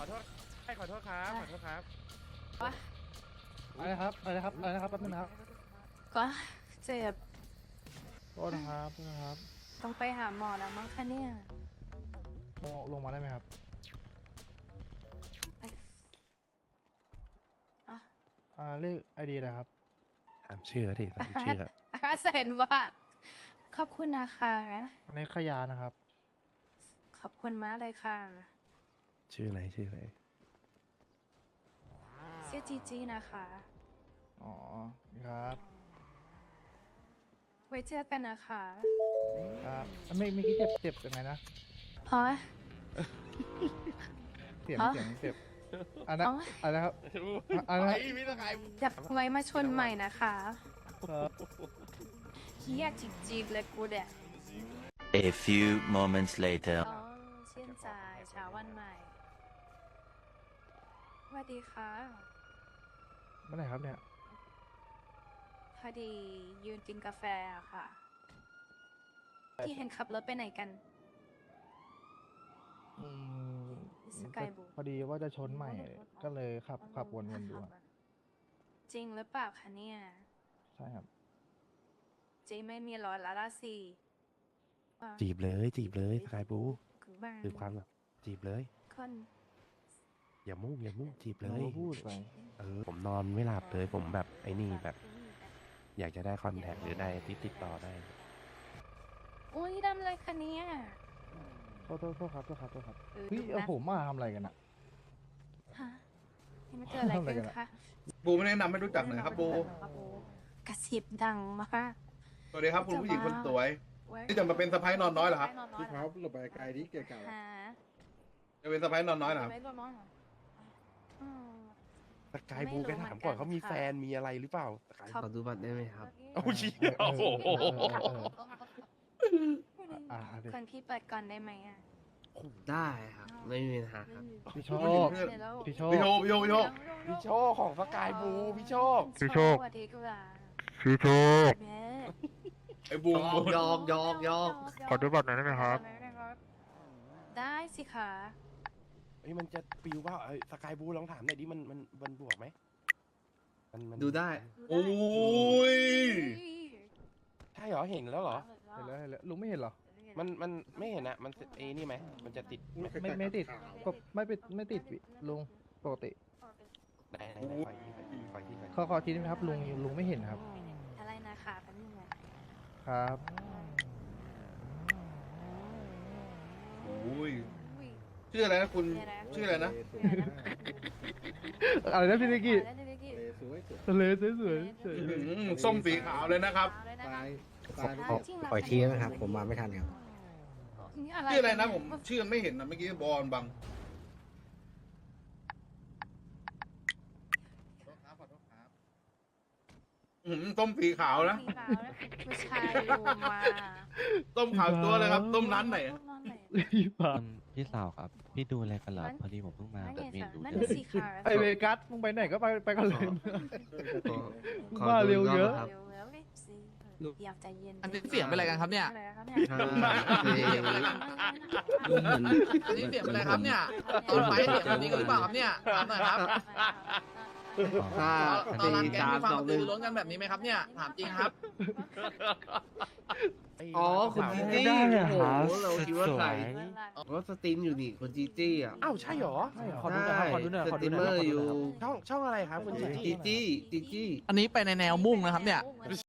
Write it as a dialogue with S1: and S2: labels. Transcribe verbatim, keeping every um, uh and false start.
S1: โทษให้ขอโทษครับขอโทษครับ
S2: อะไรนะครับอะไรนะครับอะไรนะครับแป๊บนึงนะครับ
S3: ก็เจ็บ
S2: โทษนะครับโทษนะครับ
S3: ต้องไปหาหมอแล้วมั้งคะเนี่ย
S2: ลงลงมาได้ไหมครับ
S3: อ่ะ
S2: อ่าเลขไอดีอะไรครับ
S4: ตามชื่อดิตามชื่อ
S3: อาเซนว่าขอบคุณนะคะ
S2: อันนี้ขยานะครับ
S3: ขอบคุณมากเลยค่ะ
S4: ชื่ออะไรชื่ออะไร
S3: เสียจีจีนะคะ
S2: อ๋อครับ
S3: ไว้เจอกันนะคะ
S2: ครับไม่ไม่คิดเจ็บเจ็บยังไงนะ
S3: เพราะ
S2: เสียง
S3: อ๋อ
S2: เสียงเจ็บอันนั้น
S3: อ๋อ
S2: อันนะครับอันนั้น
S3: จะไว้มาชนใหม่นะคะ
S2: ครับ
S3: เฮียจิกจิกเลยกูเด็ก
S5: A few moments later.
S3: อ๋อเชื่นใจเช้าวันใหม่สวัสดีค่ะ
S2: เมื่อไหร่ครับเนี่ย
S3: พอดียืนกินกาแฟอะค่ะ ที่เห็นขับรถไปไหนกัน
S2: อืม
S3: สกายบู
S2: พอดีว่าจะชนใหม่ก็เลยขับขับวนๆดูอะ
S3: จริงหรือเปล่าคะเนี่ย
S2: ใช่ครับ
S3: เจไม่มีร้อยละละสี่
S4: จีบเลยจีบเลยสกายบู
S3: คือบ้าง
S4: คือความแบบจีบเลย
S3: คน
S4: อย่ามุ่งอย่ามุ่งจีบเล
S2: เรา
S4: ย
S2: ก็พูดไป
S4: เออผมนอนไม่หลับเลยผมแบบไอ้นี่แบบ อยากจะได้คอนแทคหรือได้ติดติดต่อได้
S3: อุ้ยดำเลยคะเนี่ย
S2: โทษโทษโทษครับโทษครับโทษครับ
S3: เออ
S2: เฮ้ย
S3: ดู
S2: เอา
S3: นะ
S2: ผมมาทำอะไรกันอะ
S3: ฮะยังไม่เจออะไร
S2: ทำอะไร
S3: กั
S2: กัน
S3: น
S2: อะ
S3: คะ
S6: บูไม่แนะนำให้รู้จักหน่อยครับบู
S3: กระซิบดังมาก
S6: สวัสดีครับคุณผู้หญิงคนสวย
S3: เว้ย
S6: นี่จะมาเป็นสะพ้ายนอนน้อยเหรอครับ
S3: นอนน้อย
S7: พี่
S3: เหร
S7: ค
S3: อ
S7: รับหลบไปไกลดิเกี่ยวกับ
S3: ฮะ
S6: จะเป็นสะพ้ายนอนน้อยเหรอครับ
S3: ไม่นอนน้อยเหรออืม
S4: สกายบูแกถามก่อนเขามีแฟนมีอะไรหรือเปล่าสกาย
S3: ขอดูบัตรได้ไหมครับ
S4: โอ้ยโอ้โห
S2: อ่าอ่าดิ
S3: คนพี่เปิดก่อนได้ไหมอ่ะ
S8: ได้ครับ ไม่มีปัญหาครับ
S2: พี่โช
S6: ผู้หญิง
S2: ค
S6: เพื่อน
S3: เดี๋ยวเรา
S2: พี่โช
S6: พี่โช
S2: ค
S6: คพี่โชคพี่โชค
S4: พี่โชคของสกายบูพี่โชค
S2: พี่โชค
S3: สวัสดีกว่า
S2: พี่โชค
S3: แม่
S6: ไอ้บูม
S8: ยอกยอกยอก
S2: ขอดูบัตรหน่อยได้ไหมครับ
S3: ได้สิคะ
S4: เฮ้ยมันจะปิวว่าเอ้ยสกายบูลองถามหน่อยดิมันมันมันบวกไหมมันมัน
S8: ดูได้
S6: โอ้ย
S4: ใช่เหรอเห็นแล้วเหรอ
S2: เห็นแล้วเห็นแล้วลุงไม่เห็นเหรอ
S4: มันมันไม่เห็นอะมันเอนี่ไหมมันจะติดไหม
S2: ไม่ไม่ติดก็ไม่เป็นไม่ติดวิลุงปกติ
S4: ไหนไหนไหนไฟที่ไฟที่ไฟที่
S2: ขอขอทีนึงครับลุงลุงไม่เห็นครับ
S3: อะไรนะคะแป๊บนึงนะครับ
S6: โอ้ย
S3: อุ้ย
S6: ชื่ออะไรนะคุณ
S3: เดี๋ยวนะ
S6: ชื่ออะไรนะ
S2: อะไรนะพี่นิกกี้
S3: ได้เลยพี่
S7: สวยสวย
S2: ทะเลสวยสวยสวย
S6: อื้อหือส้มสีขาวเลยนะครับ
S3: เอาเลยนะ
S7: ตา
S3: คะ
S7: ยตาย
S3: อ่าจริงเหรอ
S8: ปล่อยทีนะครับ ผมมาไม่ทันครับ
S3: นี่อะไร
S6: ชื่ออะไรนะผมชื่อไม่เห็นนะเมื่อกี้บอลบังอื้อหือส้มสีขาวนะ
S3: มีขาวนะผู้ชายดูมา
S6: ต้มขาวตัวเลยครับ ต้มร้านไหน
S3: ต้มร้านไหน
S2: พี่ปา
S9: พี่สาวครับ พี่ดูอะไรกันเหรอ
S3: นั่น
S9: พอดีผมเพิ่งมา
S3: นั่น
S9: แต่
S3: ไง
S9: ไม่
S3: สาว
S9: รู้
S3: นั่น
S9: เรื่อง
S3: สีขาว
S2: ไอเวกัสมึงไปไหนก็ไปไปกันเลย
S8: ขอ
S2: บ้า
S8: ดู
S2: เร็ว
S8: อีก
S2: เย
S8: ร
S2: อะ
S8: บครับ
S3: เร็วแล้วเลยสิอยากใจเย็น
S10: อันนี้เสียงเป็นอะไรกันครับเนี่ย
S3: อะไรครับเนี่ย
S8: ห้าสี่
S10: เสียงเป็นอะไรกันอันนี้เสียงเป็นอะไรครับเนี่ยตอนไฟเสียงแบบนี้กันหรือเปล่าครับเนี่ยถามหน่อยครับ
S8: ห้า
S10: ตอน
S8: สี่
S10: ร้านแก๊ง
S8: สาม
S10: มีความ
S8: สอก ง
S10: ระ
S8: ห
S10: ตื
S8: นึ่
S10: อง รือร้นกันแบบนี้ไหมครับเนี่ยถามจริงครับ
S4: ไอ้
S8: อ๋อคุณจีจี้
S2: ได้อะ
S8: โอ้
S2: ครับ
S8: โหเราคิดว่าใคร
S3: เวลา
S8: ก็สตรีมอยู่นี่คุณจีจี้อ่ะ
S4: อ้าวใช่เหรอ
S2: ใช่เหรอขอดูหน่อยครับขอดูหน่อย
S8: ส
S2: ขอ
S8: ต
S2: ดู
S8: รีม
S2: หน่
S8: เม
S2: อย
S8: อร์อยู่
S4: ช่องช่องอะไรครับคุณจี
S8: จี
S4: จี้
S8: จี้จีจี้
S10: อันนี้ไปในแนวมุ่งนะครับเนี่ย